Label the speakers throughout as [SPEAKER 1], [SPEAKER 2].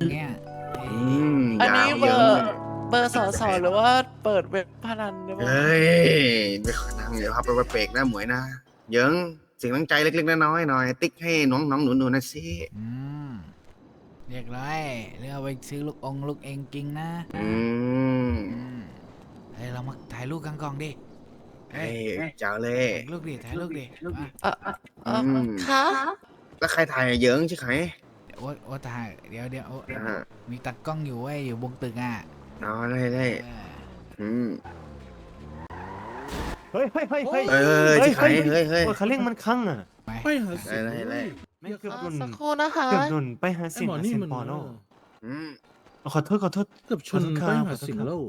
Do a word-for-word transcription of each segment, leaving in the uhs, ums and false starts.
[SPEAKER 1] เนี่ย
[SPEAKER 2] อืม
[SPEAKER 3] อันนี้
[SPEAKER 2] ยาว
[SPEAKER 3] เบ
[SPEAKER 2] เย
[SPEAKER 3] อ
[SPEAKER 2] อะ
[SPEAKER 3] ร์เบอร์สอสอหรือว่าเปิดเว็บพนันหรือเปล่า
[SPEAKER 2] เฮ้ยไม่ขอนั่งเดี๋ยวพาไปไปเปรกนะหมวยนะเยิงสิ่งตั้งใจเล็กๆน้อยๆหน่อยติ๊กให้น้องน้องหนูหนูๆนะสิ
[SPEAKER 1] อืมเรียกร้อยเรือเอาไปซื้อลูกองลูกเองกิงนะ
[SPEAKER 2] อืม
[SPEAKER 1] อืมเฮ้ยเรามาถ่ายรูปกันก่อนดิ
[SPEAKER 2] เฮ้ยเจ้าเลย
[SPEAKER 1] ถ่ายรูปดิถ่ายรูปดิมา
[SPEAKER 3] เออเออเออ
[SPEAKER 2] อืม
[SPEAKER 3] คะ
[SPEAKER 2] แล้วใครถ่ายเยิงใช่ไหม
[SPEAKER 1] เดี๋ยวโอ๊ตโอ๊ตถ่ายเดี๋ยวเดี๋ยวโอ๊ต
[SPEAKER 2] อ่า
[SPEAKER 1] มีตัดกล้องอยู่ไว้ยอยู่บนตึกอ่ะ
[SPEAKER 2] เอาได้ได้
[SPEAKER 1] เออ
[SPEAKER 2] อืม
[SPEAKER 4] เฮ้ยเฮ้ยเฮ้ยเฮ้ย
[SPEAKER 2] เฮ้ยใช่ไหมเฮ้ยเฮ้ย
[SPEAKER 4] โอ้ยเขาเร่งมันคลั่งอ่ะ
[SPEAKER 1] ไป
[SPEAKER 5] ไปหาเสียง
[SPEAKER 2] ได้ได้
[SPEAKER 4] ไม่เกือบ
[SPEAKER 3] อ่ะ
[SPEAKER 4] โดน
[SPEAKER 3] สักครู่นะคะ
[SPEAKER 4] เกือบโดนไปหา
[SPEAKER 5] ไอ้
[SPEAKER 4] เสียง
[SPEAKER 5] หมอ
[SPEAKER 4] หา
[SPEAKER 5] นี่
[SPEAKER 4] เสียง
[SPEAKER 5] มัน
[SPEAKER 4] ปอเนาะ
[SPEAKER 2] อืม
[SPEAKER 4] เอาขอโทษขอโทษ
[SPEAKER 5] เกือบชน
[SPEAKER 4] ขอโทษค
[SPEAKER 5] ไป
[SPEAKER 4] รับ
[SPEAKER 5] หา
[SPEAKER 4] ขอโทษ
[SPEAKER 5] เสียงแล้ว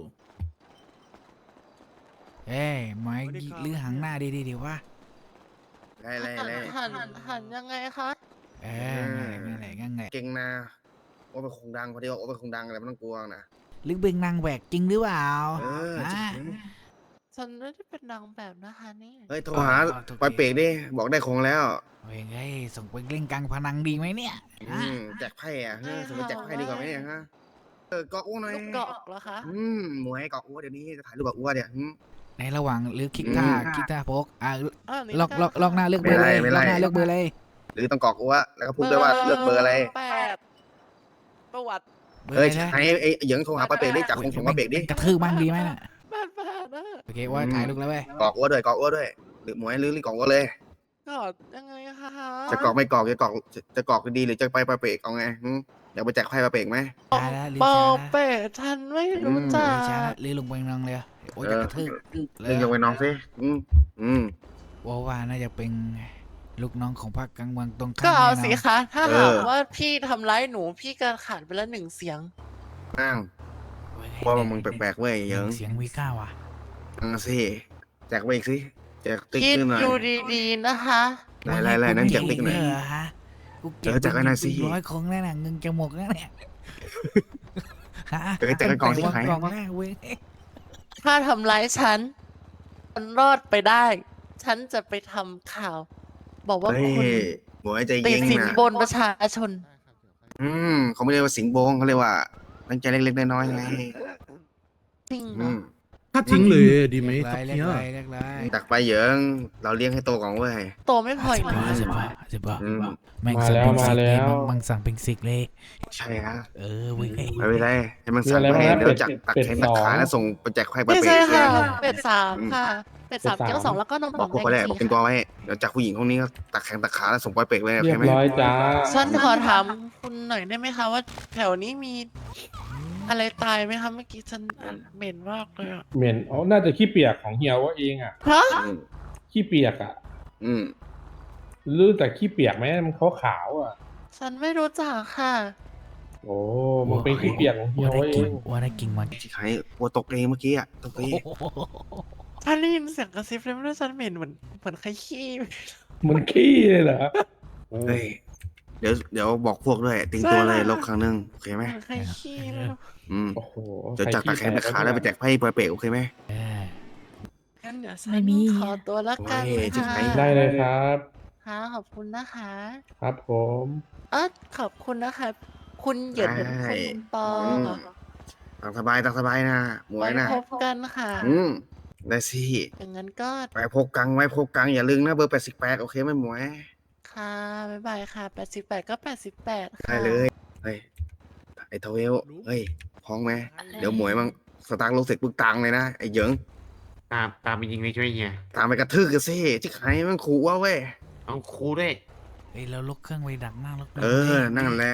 [SPEAKER 1] เอ้ยไม้ลื้อหางหน้าดีดีดีวะ
[SPEAKER 2] ได้ได้
[SPEAKER 3] หัน
[SPEAKER 2] ได้
[SPEAKER 3] หันหันยังไงคะ
[SPEAKER 1] เอองั้นแหละงั้นแหละ
[SPEAKER 2] เก่งนะโอ้เป็นคงดังพอดีว่าโอ้เป็นคงดังอะไรไม่ต้องกลัวนะ
[SPEAKER 1] ลึกเบงนางแหวกจริงหรือเปล่า
[SPEAKER 2] เออ
[SPEAKER 1] ฮะ
[SPEAKER 2] จริง
[SPEAKER 3] ฉันไม่ได้เป็นนางแบบนะคะนี่
[SPEAKER 2] เฮ้ยโทรหาไปเปรกดิบอกได้คงแล้ว
[SPEAKER 1] เฮ้ยเฮ้ยส่งไปเล่นกลางพนังดีไหมเนี่ย
[SPEAKER 2] อื
[SPEAKER 1] ฮะ
[SPEAKER 2] มแจกไพ่อะเฮ้ยสมมติแจกไพ่ดีกว่าไหมเนี่ยฮะเออเกาะอ้วนหน่อย
[SPEAKER 3] ลูกเกาะเหรอคะ
[SPEAKER 2] อืมหมวยเกาะอ้วนเดี๋ยวนี้จะถ่ายรูปกับอ้วนเนี่ยอืม
[SPEAKER 1] ในระหว่างหรือคลิกท่า
[SPEAKER 2] อืม
[SPEAKER 1] คลิกท่าโพกอ่ะ
[SPEAKER 3] อ่ะนี่
[SPEAKER 1] ล็อก
[SPEAKER 3] ค่ะ
[SPEAKER 1] ล็อกล็อกหน้าเลือกเบอร์เลย
[SPEAKER 2] ไม่
[SPEAKER 1] ล็
[SPEAKER 2] ไล่
[SPEAKER 1] อกหน้า
[SPEAKER 2] ไม่ไล่
[SPEAKER 1] เลือกเบอร์เลย
[SPEAKER 2] หรือต้องเกาะอ้วนแล้วก็พูดด้วยว่าเลือกเบอร์อะไร
[SPEAKER 3] แปดประวัติ
[SPEAKER 1] เบอร์
[SPEAKER 2] เอ้ย
[SPEAKER 1] อะไรนะ
[SPEAKER 2] ไอ้ไอ้เหยิงโทรหาไปเปรกดิจับคงของมาเปรกดิ
[SPEAKER 1] กระทืบบ้างดีไหมน่ะ
[SPEAKER 3] แปดแปดนะ
[SPEAKER 1] โอเคว่าถ่ายรูปแล้วเว้ย
[SPEAKER 2] เกาะอ้วนด้วยเกาะอ้วนด้วยหรือหมวยหรือหรือเกาะอ้วนเลย
[SPEAKER 3] กอดยังไงคะ
[SPEAKER 2] จะเกาะไม่เกาะจะเกาะจะจะเกาะดีหรือจะไปไปเปรกเอาไงอืมอยากไปแจกไพ่ไปเปรกไหม
[SPEAKER 1] ตายแล้วลืม
[SPEAKER 3] ปอ
[SPEAKER 1] ช้านะ
[SPEAKER 3] เป็ดฉันไม่รู้จั
[SPEAKER 1] ลื
[SPEAKER 3] ก
[SPEAKER 1] มช้านะลืมลงไปนองเลยโอ้ยจะกระทืบ
[SPEAKER 2] เรื่องยังไปน้องสิอืมอืม
[SPEAKER 1] ว่าว่าน่าจะเป็นลูกน้องของพรรคกลางเมืองตรงข้าม
[SPEAKER 3] ก็เอา
[SPEAKER 1] แน่นน
[SPEAKER 3] สิคะ ถ้าหากว่าพี่ทำร้ายหนูพี่ก็ขาดไปแล้วหนึ่งเสียง
[SPEAKER 2] นั่ง
[SPEAKER 1] เว้ย
[SPEAKER 2] ว่ามึงแปลกๆเว้ยเหยิง
[SPEAKER 1] เสียงวีก้าว่ะ
[SPEAKER 2] อ่าสิแจกไปอีกสิแจกติ๊ก
[SPEAKER 3] คิด
[SPEAKER 2] ขึ้นหน่อย
[SPEAKER 3] ดูดีๆนะคะ
[SPEAKER 2] ไล่ไล่ไล่นั่นแจกติ๊กหน่อย
[SPEAKER 1] เอฮะกูเก็บ
[SPEAKER 2] เออแจกไว้หน่อยสิ
[SPEAKER 1] ร้อยคงแล้วน่ะเงินจะหมดแล้วเนี่ยฮะ
[SPEAKER 2] เออแจกไว้ก่อนสิ
[SPEAKER 1] แต่
[SPEAKER 2] ขาย
[SPEAKER 1] กล่องแรกเว้ย
[SPEAKER 3] ถ้าทำร้ายฉันฉันรอดไปได้ ฉันจะไปทำข่าว บอกว่า
[SPEAKER 2] เฮ้ย
[SPEAKER 3] คุณ
[SPEAKER 2] หมวยใจ
[SPEAKER 3] ติ
[SPEAKER 2] เย็
[SPEAKER 3] ด
[SPEAKER 2] น
[SPEAKER 3] สิน
[SPEAKER 2] นะ
[SPEAKER 3] บนประชาชน
[SPEAKER 2] อืมเขาไม่เรียกว่าสิงโบงเขาเรียกว่าตั้งใจเล็กๆน้อยๆไง
[SPEAKER 3] จริงเหร
[SPEAKER 2] อื
[SPEAKER 3] อ
[SPEAKER 2] ม
[SPEAKER 5] ถ้าทิ้งเลยดีไหม
[SPEAKER 1] เรียก
[SPEAKER 5] ครับ
[SPEAKER 1] ไร
[SPEAKER 5] เนี่ย
[SPEAKER 1] เรียกไรเรียกไร
[SPEAKER 2] ตักไปเหยิงเราเลี้ยงให้โตก่อนเว้ย
[SPEAKER 3] โตไม่พออีก
[SPEAKER 1] สิบ
[SPEAKER 3] นะ
[SPEAKER 1] บาทสิบบาทสิบบาท
[SPEAKER 2] อืม
[SPEAKER 1] แม่งสั่งเป็นสิกเลยมังมังสั่งเป็นสิกเลย
[SPEAKER 2] ใช่ฮะ
[SPEAKER 1] เออเว้ย
[SPEAKER 2] ไม่เป็นไรให้มันสั่งไปเดี๋ยวจักตักแขนตักขาแล้วส่งไปแจกไพ่ไป
[SPEAKER 3] ไม่
[SPEAKER 2] เปร
[SPEAKER 3] ใช่
[SPEAKER 2] ก
[SPEAKER 3] ค่ะ
[SPEAKER 2] เนี่ย
[SPEAKER 3] เป็ดสามค่ะ เป็ดสามเกี๊ยวสองแล้วก็นม
[SPEAKER 2] บ
[SPEAKER 3] ผ
[SPEAKER 2] อก
[SPEAKER 3] ง
[SPEAKER 2] พวก
[SPEAKER 3] แด
[SPEAKER 2] เขา
[SPEAKER 3] ง
[SPEAKER 2] แรก
[SPEAKER 3] จี
[SPEAKER 2] บอกเป็นตัวไว้เดี๋ยวจากผู้หญิงคนนี้ก็ตักแขนตักขาแล้วส่งไปเปรกเลยโอ
[SPEAKER 6] เรี
[SPEAKER 2] เค
[SPEAKER 6] ยบ
[SPEAKER 2] ไหม
[SPEAKER 6] ร้อยจ้า
[SPEAKER 3] ฉันขอถามคุณหน่อยได้ไหมคะว่าแถวนี้มี อะไรตายไหมคะเมื่อกี้ฉันเหม็นมากเลยอะ
[SPEAKER 6] เหม็นอ๋อน่าจะขี้เปียกของเฮียว่าเองอ่ะ
[SPEAKER 3] ฮะ
[SPEAKER 2] อืม
[SPEAKER 6] ขี้เปียกอ่ะ
[SPEAKER 2] อืม
[SPEAKER 6] รู้แต่ขี้เปียกไหมมันขาวขาวๆอ่ะ
[SPEAKER 3] ฉันไม่รู้จักค่ะ
[SPEAKER 6] โอ้มันเป็นขี้เปียกของเฮีย
[SPEAKER 1] ว่าได้
[SPEAKER 6] ว่าเอ
[SPEAKER 1] กิน
[SPEAKER 6] ง
[SPEAKER 1] ว่าได้กินมัน
[SPEAKER 2] ที่ใครวัวตกเองเมื่อกี้อ่ะตกเอง
[SPEAKER 3] ฉันได้ยินเสียงกระซิบเลยไม่รู้ฉันเหม็นเหมือนเหมือนใครขี้
[SPEAKER 6] มันขี้เลยเหรอ
[SPEAKER 2] เฮ้ยเดี๋ยวเดี๋ยวบอกพวกด้วยติงตัวเลยลบครั้งหนึงโอเคไหม
[SPEAKER 3] เหมือนใครขี้ไม่รู้
[SPEAKER 2] อืม
[SPEAKER 6] โอ้โห
[SPEAKER 2] เดี๋ยวจากตักแขนตักขาแล้วไปแจกไพ่ไปเปรกโอเคไหม
[SPEAKER 1] เออ
[SPEAKER 3] งั้นเดี๋ยวฉั
[SPEAKER 1] ไม่
[SPEAKER 3] น
[SPEAKER 1] มี
[SPEAKER 3] ขอตัวละกัน
[SPEAKER 2] โอ้ยจะ
[SPEAKER 3] ค่ะ
[SPEAKER 2] ไหน
[SPEAKER 6] ได้เลยครับ
[SPEAKER 3] ค่ะขอบคุณนะคะ
[SPEAKER 6] ครับผม
[SPEAKER 3] เออขอบคุณนะคะ คุณเหยินคุณปอ
[SPEAKER 2] ตักสบายตักสบายนะหมว
[SPEAKER 3] ไว้
[SPEAKER 2] ยนะ
[SPEAKER 3] พบกันค่ะ
[SPEAKER 2] อืมได้สิ
[SPEAKER 3] อย่างนั้นก็
[SPEAKER 2] ไปพกกังไว้พกกังอย่าลืมนะเบอร์แปดสิบแปดโอเคไหมหมวย
[SPEAKER 3] ค่ะ บ๊ายบายค่ะแปดสิบแปดก็แปดสิบแปดค่ะ
[SPEAKER 2] ได้เลยเฮ้ยไอ้ทเวลเฮ้ยพ้องไหมเดี๋ยวหมวยมังสตาร์ทรถเสร็จปึ๊กตังเลยนะไอ้เหยิง
[SPEAKER 7] ตามตามไปยิงเลยช่วยเฮีย
[SPEAKER 2] ตามไปกระทืบกันสิที่ใครมันขู่ว่าเว้ย
[SPEAKER 7] เอาครูด้วย
[SPEAKER 1] เฮ้ยเราลุกเครื่องไว้ดักหน้ารถ
[SPEAKER 2] เออนั่นแหละ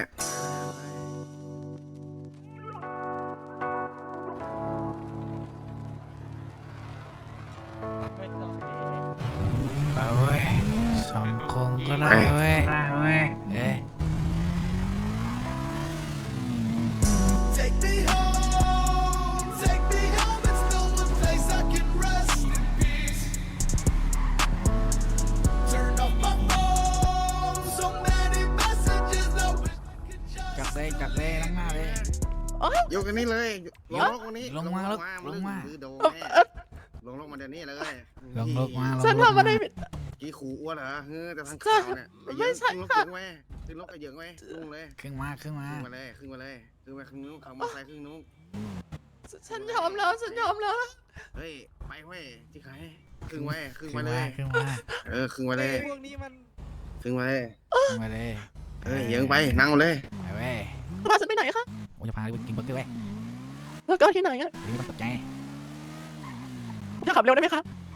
[SPEAKER 1] ไปเว้ยสองคงก็ได้เว้ยเอ้ย
[SPEAKER 8] Take me home, take me home. It's the one place I can rest in peace. Turn off my phone. So many messages. I wish I could just.
[SPEAKER 1] จับเลยจับเลยล้างหน้าเลย
[SPEAKER 2] ยกอันนี้เลยลงลงวันนี้
[SPEAKER 1] ลงมาลงมา
[SPEAKER 2] ลงโดนแน่ลงลงมาเดี๋ยวนี้เลย
[SPEAKER 1] ลงลงมา
[SPEAKER 3] ฉันทำอะไรผิด
[SPEAKER 2] กี้ขู่อ้วนเหรอเฮ้ยแต่ทางข่าวเนี่ยไอ้เหยิงขึ้นรถเหยิงไว้ขึ้นรถไอ้เหยิงไว้ลุงเลย
[SPEAKER 1] ขึ้นมาขึ้นมา
[SPEAKER 2] ขึ้นมาเลยขึ้นมาเลยขึ้นมาข้างนู้นขับมอเตอร์ไซค์ขึ้นนู้น
[SPEAKER 3] ฉันยอมแล้วฉันยอมแล้ว
[SPEAKER 2] เฮ้ยไปเว้ยที่ใครขึ้นไว้ขึ้น
[SPEAKER 1] ขึ้
[SPEAKER 2] มาน เล
[SPEAKER 1] มาย ขึ้นมา
[SPEAKER 2] เออขึ้นมาเลย
[SPEAKER 4] พวกนี้มัน
[SPEAKER 2] ขึ้นมาเลย
[SPEAKER 1] ขึ้นมาเลย
[SPEAKER 2] เฮ้ยเหยิงไปนั่งเลย
[SPEAKER 1] ไปเว้ย
[SPEAKER 3] พาฉันไปไหนคะ
[SPEAKER 1] โอ้จะพาไปกินเบอร์เกอร์เว้ย
[SPEAKER 3] แล้วก็ที่ไหนอะ
[SPEAKER 1] เดี๋ยวมันตกใจ
[SPEAKER 3] จะขับเร็วได้ไหมคะ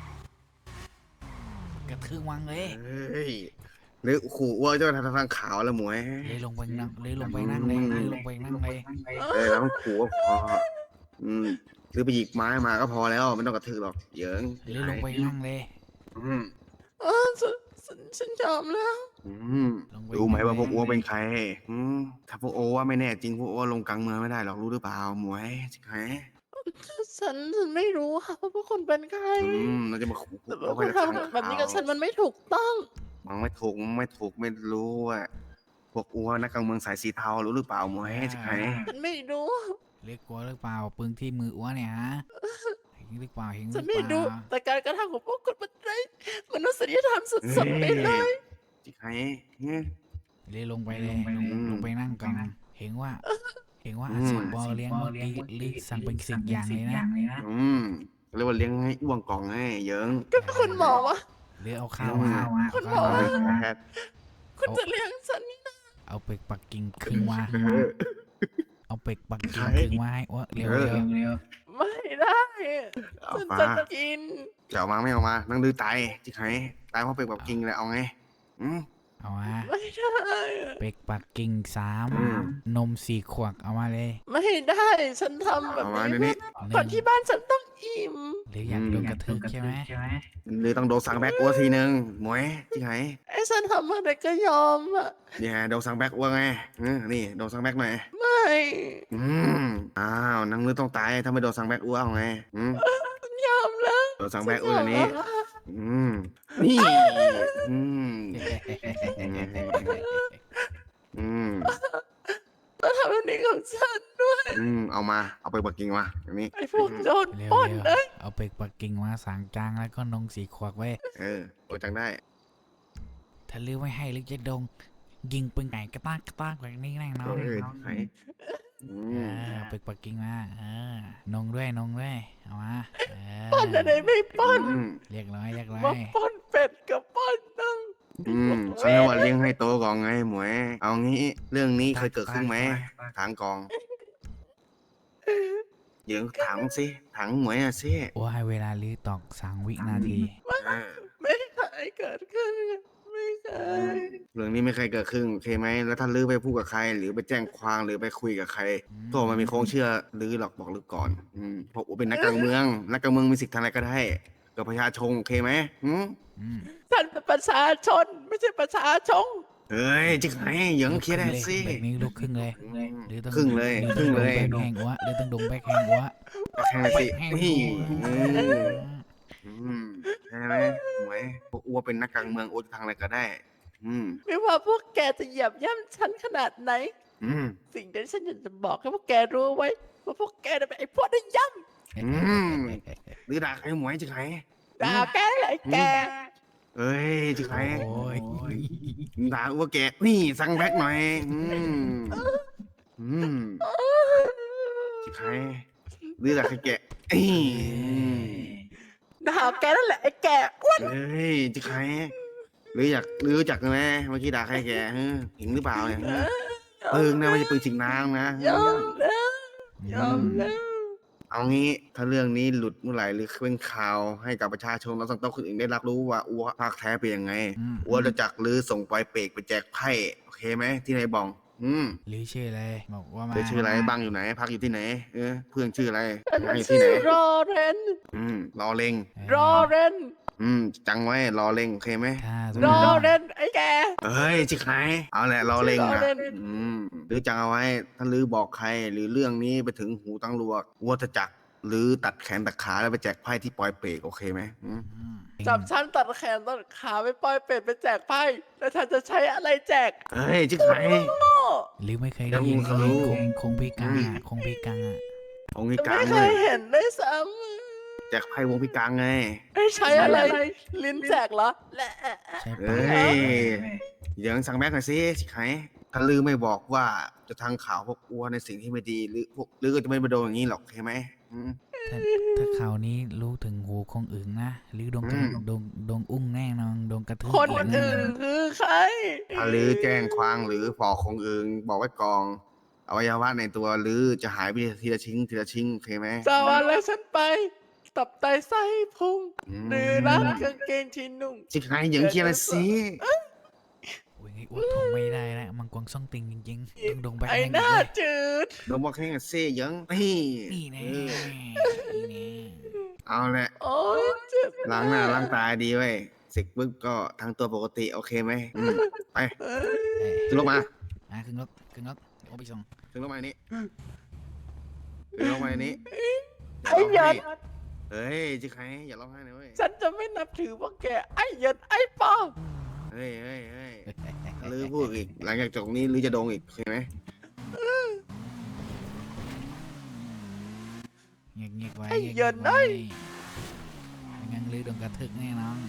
[SPEAKER 1] กระทืบวังเลย
[SPEAKER 2] เฮ้ยหรือขู่อ้วนเจ้าทางขาวแล้วหมวย
[SPEAKER 1] เลยลงไปนั่งเลยลงไปนั่งเลยเลยลงไปนั่งเลย
[SPEAKER 2] เออแล้วต้องขู่ก็พออืมหรือไปหยิบไม้มาก็พอแล้วไม่ต้องกระทืบหรอกเหยิง
[SPEAKER 1] เลยลงไปนั่งเลย
[SPEAKER 2] อืม
[SPEAKER 3] เออฉันฉันฉันยอมแล้ว
[SPEAKER 2] อืมรู้ไหมว่าพวกอ้วเป็นใครอืมถ้าพวกโอว่าไม่แน่จริงพวกอ้วลงกลางเมืองไม่ได้หรอกรู้หรือเปล่าหมวยใช่ไหม
[SPEAKER 3] ฉันฉันไม่รู้ค่ะว่าพวกคุณเป็นใคร
[SPEAKER 2] อืมเราจะมาขู่พว
[SPEAKER 3] แต่
[SPEAKER 2] กอ้
[SPEAKER 3] ว่าว คุ
[SPEAKER 2] ไป
[SPEAKER 3] ณ
[SPEAKER 2] ทาง
[SPEAKER 3] ทำแบบนี้กับฉั
[SPEAKER 2] ข่าน ว
[SPEAKER 3] มันไม่ถูกต้อง
[SPEAKER 2] มันไม่ถูกมันไม่ถูกไม่รู้ว่าพวกอ้วนักการเมืองสายสีเทารู้หรือเปล่าหมวยใช่ไหม
[SPEAKER 3] ฉันไม่รู้
[SPEAKER 1] เรียกกลัวหรือเปล่าปืนที่มืออ้วนเนี่ยฮะเห็นหรือเปล่าเห็นห
[SPEAKER 3] ฉั
[SPEAKER 1] รื
[SPEAKER 3] น
[SPEAKER 1] อ
[SPEAKER 3] ไม่
[SPEAKER 1] เป
[SPEAKER 3] รู้
[SPEAKER 1] ล่า
[SPEAKER 3] แต่การกระทำของพวกคุณมันไร้มนุษยธรรมสุดๆไปเลย
[SPEAKER 2] ใช่ไหมเนี่ย
[SPEAKER 1] เลยลงไปเลยลงลงไปนั่งกันเห็นว่า เห็นว่า
[SPEAKER 2] อืม
[SPEAKER 1] อาสิบอลเลี้ยงเมื่อกี้ลิสั่งเป็นสิ่งอย่างเลยนะ
[SPEAKER 2] อืมเรียกว่าเลี้ยงให้อ้วงกล่องให้เหยิง
[SPEAKER 3] ก็คุณหมอวะ
[SPEAKER 1] หรือเอาข้าวมา
[SPEAKER 3] คุณหม
[SPEAKER 1] เอา
[SPEAKER 3] อ
[SPEAKER 1] ข้าวมา
[SPEAKER 2] แพทย์
[SPEAKER 3] คุณจะเลี้ยงฉันนี่นะ
[SPEAKER 1] เอาเป็กปักกิ่งครึ่งมา
[SPEAKER 2] เออ
[SPEAKER 1] เอาเป็กปักกิ่ง
[SPEAKER 2] ใช่
[SPEAKER 1] ครึ่งมาให้อ้วเร็ว
[SPEAKER 2] เออ
[SPEAKER 1] เร็วเร็ว
[SPEAKER 3] ไม่ได้
[SPEAKER 2] เอา
[SPEAKER 3] ฉัน
[SPEAKER 2] มา
[SPEAKER 3] จะกิน
[SPEAKER 2] จะเอามาไม่เอามานั่งดื้อตายที่ไหนตายเพราะเป็นแบบกิงเลยเอาไงอืม
[SPEAKER 1] เอามา
[SPEAKER 3] ไม่ได้
[SPEAKER 1] เป็กปักกิ่งสาม
[SPEAKER 2] อืม
[SPEAKER 1] นมสี่ขวดเอามาเลย
[SPEAKER 3] ไม่ได้ฉันทำแบบ
[SPEAKER 2] เอามา
[SPEAKER 3] นี้
[SPEAKER 2] เดี๋ยวนี้
[SPEAKER 3] เพื่อก่อนที่บ้านฉันต้องอิ่ม
[SPEAKER 1] หรืออยากโดนกระทืบใช่ไหม
[SPEAKER 2] หรือต้องโดนสั่งแบ็กอ้วทีนึงหมวยที่ไหน
[SPEAKER 3] ไอ้ฉันทำอะไรก็ยอมอ่ะ
[SPEAKER 2] เนี่ยโดนสั่งแบ็กอ้วไงอืมนี่โดนสั่งแบ็กหน่อย
[SPEAKER 3] ไม่
[SPEAKER 2] อืมอ้าวนั่งนึกต้องตายถ้าไม่โดนสั่งแบ็กอ้วเอาไงอืม
[SPEAKER 3] ยอมแล้ว
[SPEAKER 2] โดนสั่งแบ็กอ้วอย่างนี้ อืมนี่อืมอืม
[SPEAKER 3] มาทำแบบนี้กับฉันด้วย
[SPEAKER 2] อืมเอามาเอาไปปักกิ่งมาอย่างนี้
[SPEAKER 3] ไอ้พวกโดน
[SPEAKER 1] เร็ว
[SPEAKER 3] ปล้น
[SPEAKER 1] เร็ว
[SPEAKER 3] นะ
[SPEAKER 1] เอาเป็กปักกิ่งมาสางจางแล้วก็นมสี่ขวดไว้
[SPEAKER 2] เออโอจังได้
[SPEAKER 1] ถ้าลือไม่ให้ลึกจะดง ยิงปืนไก่กระตากกระตากแบบนี้แน่นอน
[SPEAKER 2] เออที่ไหนอื
[SPEAKER 1] เอ
[SPEAKER 2] ม
[SPEAKER 1] อเอาเป็กปักกิ่งมาเออนงด้วยนงด้วยเอามาเออ
[SPEAKER 3] ปล้นอะไรไม่ปล้น
[SPEAKER 2] อืม
[SPEAKER 1] เรียกร้อยเรียกร้อ
[SPEAKER 3] มาย ปล้นเป็ดกับปล้นน้ง
[SPEAKER 2] อืมฉันเรียกว่าเลี้ยงให้โตก่อนไงหมวย เอางี้เรื่องนี้เคยเกิดขึ้นไหมถามกองเดี๋ยวถามสิถามหมวยอ่ะสิ
[SPEAKER 1] ว่าให้เวลาลือตอกสามวินาที
[SPEAKER 2] เออ
[SPEAKER 3] ไม่เคยเกิดขึ้นไม่เคย
[SPEAKER 2] เรื่องนี้ไม่เคยเกิดขึ้นโอเคไหมแล้วถ้าลือไปพูดกับใคร หรือไปแจ้งความหรือไปคุยกับใครตัวมันมีโค้งเชื่อลือหรอกบอกลือก่อน อืมเพราะอูเป็นนักการเมือง นักการเมืองมีสิทธิ์ทำอะไรก็ได้กับประชาชนโอเคไหมอืม
[SPEAKER 1] อืม
[SPEAKER 3] ฉันเป็นประชาชน ไม่ใช่ประชาชง
[SPEAKER 2] เฮ้ยจิกไหนเหยิงเคลียร์ได้สิ
[SPEAKER 1] แบบนี้ลุกครึ่งเลย
[SPEAKER 2] อืม
[SPEAKER 1] หรือต้อง
[SPEAKER 2] ครึ่งเลย
[SPEAKER 1] หรือ
[SPEAKER 2] ครึ่งเลย
[SPEAKER 1] ต้องดมแบกแห้งวะหรือต้องดมแบกแห้งวะ
[SPEAKER 2] แข่งเลยสิ
[SPEAKER 1] แห้ง
[SPEAKER 2] นี่
[SPEAKER 1] วะ
[SPEAKER 2] อืม อืมใช่ไหมหมวยพวกอ้วเป็นนักการเมืองอ้วจะทำอะไรก็ได้ อืม
[SPEAKER 3] ไม่ว่าพวกแกจะเหยียบย่ำฉันขนาดไหน
[SPEAKER 2] อืม
[SPEAKER 3] สิ่งที่ฉันอยากจะบอกให้พวกแกรู้ไว้ว่าพวกแกน่ะเป็นไอ้พวกได้ย่
[SPEAKER 2] อืมหรือด่าใครหมวยจิกไหน
[SPEAKER 3] ำด่าแกเลยไอ้แก
[SPEAKER 2] เอ้ยจิกไหน
[SPEAKER 1] โอ้ย
[SPEAKER 2] ด่าอ้วแกนี่สั่งแบ็กหน่อย อืม อืมจิกไหนหรือด่าใครแกเอ้ย
[SPEAKER 3] ด่าแกนั่นแหละไอ้แกอ้วน
[SPEAKER 2] เอ้ยจิกไหนหรืออยากหรือรู้จักไหมเมื่อกี้ด่าใครแกฮะเห็นหรือเปล่าเนี่ยฮะปืนนะไม่ใช่ปืนฉีกน้ำนะ
[SPEAKER 3] ยอมแล้วยอมแล้ว
[SPEAKER 2] เอางี้ถ้าเรื่องนี้หลุดเมื่อไหร่หรือเป็นข่าวให้กับประชาชนและสังคมคนอื่นได้รับรู้ว่าอัวภาคแท้เป็นยังไง
[SPEAKER 1] อืม
[SPEAKER 2] อัวจะจักหรือส่งปล่อยเปรกไปแจกไพ่โอเคไหมที่ไหนบอง อืม
[SPEAKER 1] หรือชื่ออะไรบอกว่ามา
[SPEAKER 2] เธอชื่ออะไรบ้างอยู่ไหน พักอยู่ที่ไหนเออเพื่อนชื่ออะไร
[SPEAKER 3] ฉัน
[SPEAKER 2] พักอยู่ที่
[SPEAKER 3] ชื่
[SPEAKER 2] ไห
[SPEAKER 3] อน รอเรน
[SPEAKER 2] อืมรอเล็ง
[SPEAKER 3] รอเรน
[SPEAKER 2] อืมจังไว้รอเล็งโอเคไหม
[SPEAKER 1] ถ้าร
[SPEAKER 3] อ
[SPEAKER 1] อ
[SPEAKER 3] เรนไอ้แก
[SPEAKER 2] เอ้ยจิกไหนเอาแหละรอเล็ง
[SPEAKER 3] ชื่อรอ
[SPEAKER 2] นะ
[SPEAKER 3] เล็ง
[SPEAKER 2] อืมหรือจังเอาไว้ถ้าลือบอกใครหรือเรื่องนี้ไปถึงหูตำรวจอัวจะจักหรือตัดแขนตัดขาแล้วไปแจกไพ่ที่ปล่อยเปรกโอเคไหมอืม
[SPEAKER 1] อืม
[SPEAKER 3] จับฉันตัดแขนตัดขาไปปล่อยเป็ดไปแจกไพ่แล้วฉันจะใช้อะไรแจก
[SPEAKER 2] เอ้ยจิกไหน
[SPEAKER 3] โง่
[SPEAKER 1] หรือไม่เคยได้ยิน
[SPEAKER 2] เดี๋ยวมึงก็รู้
[SPEAKER 1] คงคงพิการอ่ะคงพิการอ่ะ
[SPEAKER 2] องค์นี้กลา
[SPEAKER 3] ไม่
[SPEAKER 2] ง
[SPEAKER 3] เค
[SPEAKER 2] เลย ย
[SPEAKER 3] เห็นด้วยซ้
[SPEAKER 2] แจกไพ่วงพิการไง
[SPEAKER 3] ไม่ใช้อะไร ลิ้นแจกเหรอและ
[SPEAKER 1] ใช่
[SPEAKER 2] เอ้
[SPEAKER 1] ปะ
[SPEAKER 2] ยเหยิงสั่งแม็กหน่อยสิชิคไห้ถ้าลือไม่บอกว่าจะทางข่าวพวกอัวในสิ่งที่ไม่ดีหรือพวกลือก็จะไม่มาโดนอย่างนี้หรอกใช่ไหมอืม
[SPEAKER 1] ถ้าถ้าข่าวนี้รู้ถึงหูคงอึ่งนะ หรือโดนกระ
[SPEAKER 2] อืม
[SPEAKER 1] โดนโดนอุ้งแน่นอนโดนกระทืบ
[SPEAKER 3] คน
[SPEAKER 1] อีกแน่
[SPEAKER 3] อื่นคือใคร
[SPEAKER 2] ถ้าลือแจ้งความหรือฟอกของอื่นบอกไว้กองอวัยวะในตัวลือจะหายไปทีละชิ้นทีละชิ้นโอเคไหม
[SPEAKER 3] จะเอาอะไรฉันไป ตับไตไส้พุง
[SPEAKER 2] อืม
[SPEAKER 3] หรือรักกางเกงที่นุ่ง
[SPEAKER 2] ชิคไห้เหยิงเคลียร์เลยสิ
[SPEAKER 1] โอ้ยไงอ้วกทนไม่ได้แล้วมังกรซ่องติงจริงๆต้องโดนไป
[SPEAKER 3] ไอ้
[SPEAKER 1] แห้ง
[SPEAKER 3] หน้า
[SPEAKER 1] เลย
[SPEAKER 3] จืด
[SPEAKER 2] โดนบอกให้กันสิเหยิงนี่
[SPEAKER 1] นี่แน่
[SPEAKER 2] เออ
[SPEAKER 1] นี่แน่
[SPEAKER 2] เอาแหละ
[SPEAKER 3] โอ้ยเจ็บ
[SPEAKER 2] ล้างหน้าล้างตาดีไว้ยเสร็จปุ๊บก็ทั้งตัวปกติโอเคไหมอืมไป
[SPEAKER 1] เอ้ย
[SPEAKER 2] ขึ้นรถมา
[SPEAKER 1] อ่ะขึ้นรถขึ้นรถโอ้ไปส่ง
[SPEAKER 2] ขึ้นรถมาในนี้ขึ้นรถมาในนี้
[SPEAKER 3] ไอ้เหยิน
[SPEAKER 2] เฮ้ยชิคไห้อย่าร้องไห้นะเว้ย
[SPEAKER 3] ฉันจะไม่นับถือพวกแก ไอ้เหยินไอ้ป้อง
[SPEAKER 2] เฮ้ยเฮ้ยเฮ้ยถ้าลือพูดอีก หลังจากจบนี้ลือจะโดงอีกใช่ไหม
[SPEAKER 1] เงียบเงียบไว้
[SPEAKER 3] ไอ้
[SPEAKER 1] งีบ
[SPEAKER 3] เหยิน
[SPEAKER 1] ไว้
[SPEAKER 3] เอ้ย
[SPEAKER 1] ไม่งั้นลือโดนกระทึกแน่นอน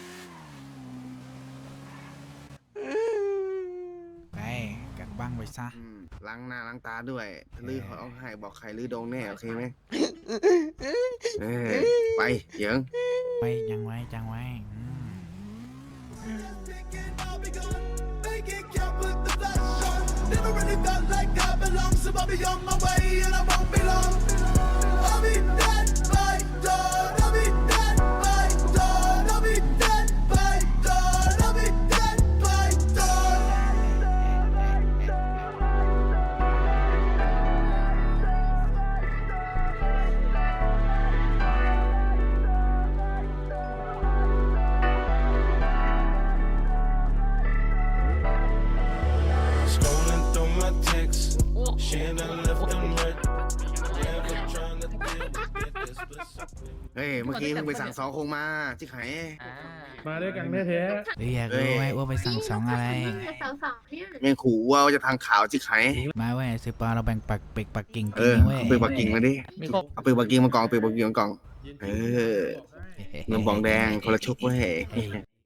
[SPEAKER 1] ไปกักบ้างไปซะ
[SPEAKER 2] อืมล้างหน้าล้างตาด้วยถ้าลือเขาเอาให้บอกใครลือโดงแน่โอเคไหมเออไปเหยิง
[SPEAKER 1] ไปยังไว้จังไว้อืม
[SPEAKER 8] Thinking I'll be gone, make it count with the flash on. Never really felt like I belong, so I'll be on my way and I won't be long. I'll be dead by dawn. I'll be dead by dawn. I'll be dead by dawn. I'll be dead by dawn.
[SPEAKER 2] เฮ้ยเมื่อกี้เพิ่งไปสั่งสองคงมาชิคไห้
[SPEAKER 6] มาด้วยกันแท้
[SPEAKER 1] หรืออยากรู้ไหมว่าไปสั่งสองอะไร
[SPEAKER 9] สองสองเนี่ย
[SPEAKER 2] แม่งขู่ว่าจะทางข่าวชิคไห้
[SPEAKER 1] มาเว้ยซื้อปลาเราแบ่งปักเป็กปักกิ่ง
[SPEAKER 2] เอ
[SPEAKER 1] กิน
[SPEAKER 2] อ
[SPEAKER 1] นะเว้ย
[SPEAKER 2] เอาปืนปักกิ่งมาดิเอาปืนปักกิ่งมากองปืนปักกิ่งมากอง เออ เงินบองแดงคนละชุกเว้ย
[SPEAKER 1] เอ้ย